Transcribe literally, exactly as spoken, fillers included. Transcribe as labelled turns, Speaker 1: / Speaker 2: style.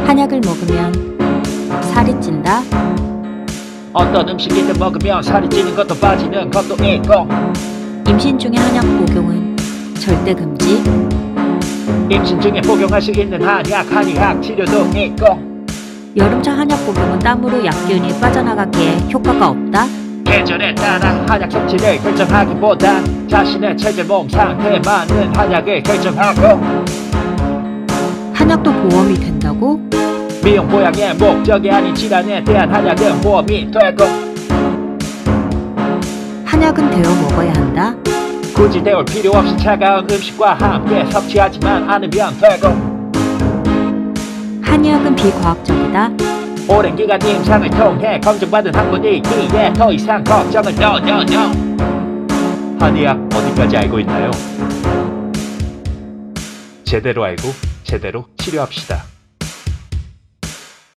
Speaker 1: 한약을 먹으면 살이 찐다.
Speaker 2: 어떤 음식이든 먹으면 살이 찌는 것도 빠지는 것도 있고,
Speaker 1: 임신 중에 한약 복용은 절대 금지.
Speaker 2: 임신 중에 복용할 수 있는 한약, 한의학 치료도 있고,
Speaker 1: 여름철 한약 복용은 땀으로 약균이 빠져나가기에 효과가 없다.
Speaker 2: 계절에 따라 한약 섭취를 결정하기보다 자신의 체질 몸 상태에 맞는 한약을 결정하고,
Speaker 1: 한약도 보험이 된다고?
Speaker 2: 미용 보양의 목적이 아닌 질환에 대한 한약은 보험이 되고,
Speaker 1: 한약은 데워 먹어야 한다.
Speaker 2: 굳이 데울 필요 없이 차가운 음식과 함께 섭취하지만 않으면 되고,
Speaker 1: 한의학은 비과학적이다.
Speaker 2: 오랜 기간 임상을 통해 검증받은 학문이기에 더 이상 걱정을 no no no. 한의학 어디까지 알고 있나요? 제대로 알고 제대로 치료합시다.